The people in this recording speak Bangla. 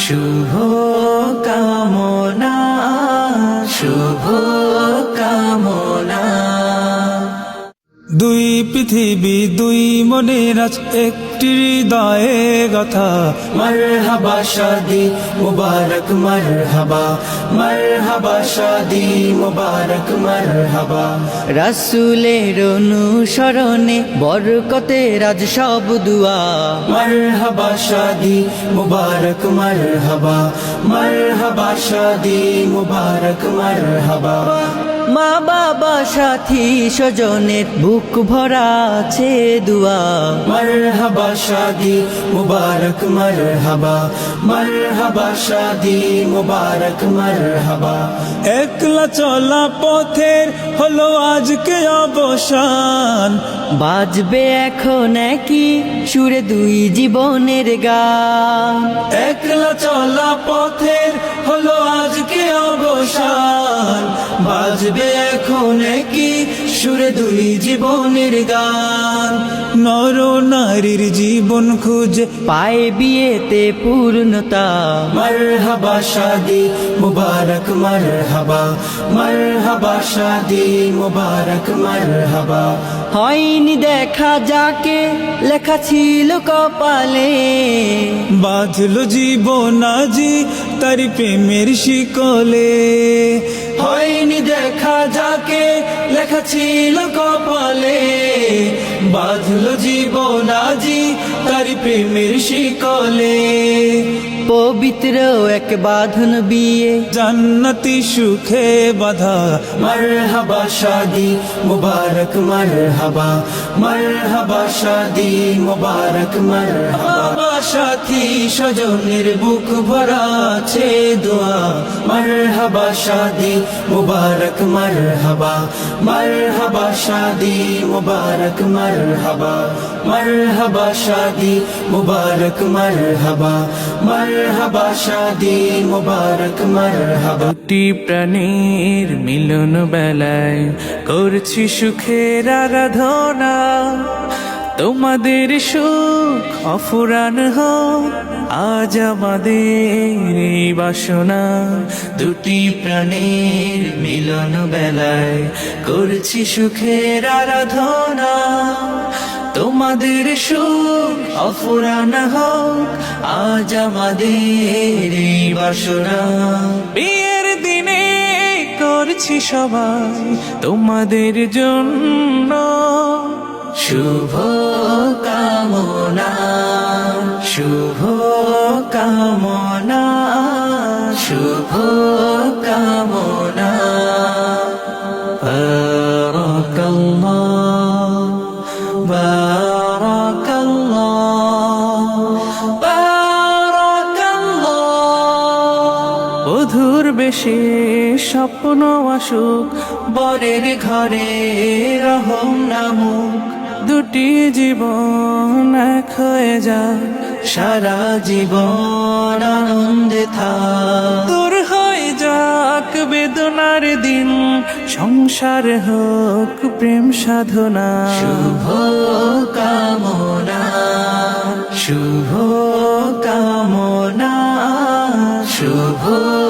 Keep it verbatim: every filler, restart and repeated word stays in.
শুভ কামনা, শুভ কামনা। দুই পৃথিবী দুই মনের আজ একটি হৃদয়ে গাথা। মারহাবা শাদি মুবারক মারহাবা, মারহাবা শাদি মুবারক মারহাবা। রাসূলের অনুসরণে বরকতের আজ সব দুয়া। মারহাবা শাদি মুবারক মারহাবা, মারহাবা শাদি মুবারক মারহাবা। মা বাবা সাথী স্বজনের বুক ভরা আছে দুয়া। মারহাবা শাদি মুবারক মারহাবা, মারহাবা শাদি মুবারক মারহাবা। একলা চলা পথের হলো আজকে অবসান। বাজবে এখন একই সুরে দুই জীবনের গান। একলা চলা পথের হলো আজকে অবসান। বাজবে এখন কি সুরে দুই জীবনের গান। নর নারীর জীবন খুঁজে পায় বিয়েতে পূর্ণতা। মারহাবা শাদি মুবারক মারহাবা, মারহাবা শাদি মুবারক মারহাবা। হয়নি দেখা যাকে লেখা ছিল কপালে। বাঁধলো জীবন আজি তারি প্রেমের শিকলে। হয়নি দেখা যাকে লেখা ছিল কপালে। বাঁধলো জীবন আজি তারি প্রেমের শিকলে। পবিত্র এক বাঁধন বিয়ে জান্নাতি সুখে বাধা। মারহাবা শাদি মুবারক মারহাবা, মারহাবা শাদি মুবারক মারহাবা। সাথী স্বজনের বুক ভরা আছে দোয়া। মারহাবা শাদি মুবারক মারহাবা, মারহাবা শাদি মুবারক মারহাবা। মারহাবা শাদি মুবারক মারহাবা, মারহাবা শাদি মুবারক মারহাবা। দুটি প্রাণীর মিলন বেলায় করছি সুখের আরাধনা। তোমাদের সুখ অফুরান হোক আজ আমাদের এই বাসনা। দুটি প্রাণীর মিলন বেলায় করছি সুখের আরাধনা। তোমাদের সুখ অফুরান হোক আজ আমাদের এই বাসনা। বিয়ের দিনে করছি সবাই তোমাদের জন্য শুভ কামনা, শুভ কামনা, শুভ কামনা। বারাকাল্লাহ, বারাকাল্লাহ, বারাকাল্লাহ। বধুর বেশে স্বপ্ন আসুক বরের ঘরে রহম নামুক। দুটি জীবন এক হয়ে যাক সারা জীবন আনন্দে থাক। দূর হয়ে যাক বেদনার দিন সংসার হোক প্রেম সাধনা। শুভ কামনা, শুভ কামনা, শুভ